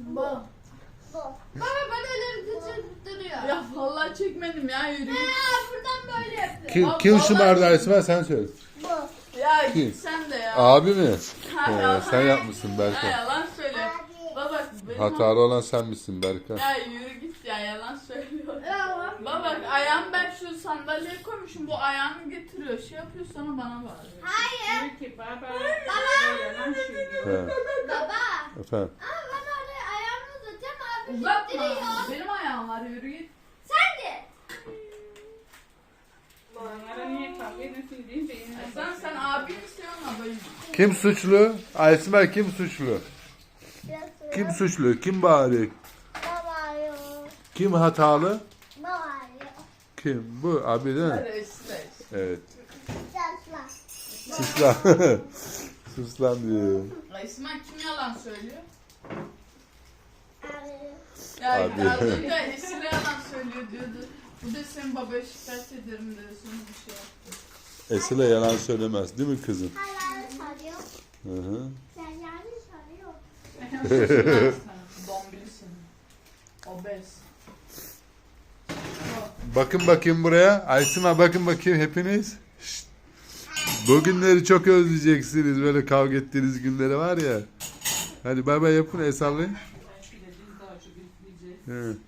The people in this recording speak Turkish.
Baba. Baba böyle elleri duruyor. Ya vallahi çekmedim ya, yürü. Buradan böyle yapıyor. Kim şımardı Aysma, sen söyle. Ya Kim? git sen de ya. Abi mi? Ha, Sen yapmışsın Ya Berkan. yalan söyle. Baba benim Hatalı olan sen misin Berkan? Ya yürü git ya, yalan söylüyor. Baba ayağım, ben şu sandalyeye koymuşum, bu ayağını getiriyor, şey yapıyor, sonra bana bağırıyor. Hayır. Baba. Yalan söylüyor. He. Baba. Efendim. Ama ben oraya ayağımı uzatacağım abi. Uzatma. gittiriyor. Benim ayağım var, yürü git. Sen de. Onlara niye kavga ediyorsun deyince yine Sen abi misin ama böyle. Kim suçlu? Aysma kim suçlu? Kim suçlu? Kim bağırıyor? Baba yok. Kim hatalı? Baba yok. Kim? Bu abi değil mi? Reis. Evet. Sasla. Sus lan. Sus lan diyor. İsmail kim yalan söylüyor? Abi. Ya Abi. az önce Esile yalan söylüyor diyordu. Bu da senin babaya şikayet ederim dedi, sonra bir şey yaptı. Esile yalan söylemez değil mi kızım? Hala sarıyor. Hı hı. Sen yani sarıyor. Dombilisin. Obez. Bakın bakayım buraya. Aysma bakın bakayım hepiniz. Şşt. Bu günleri çok özleyeceksiniz. Böyle kavga ettiğiniz günleri var ya. Hadi bay bay yapın, el sallayın. belki de biz daha çok izleyeceğiz. Hı.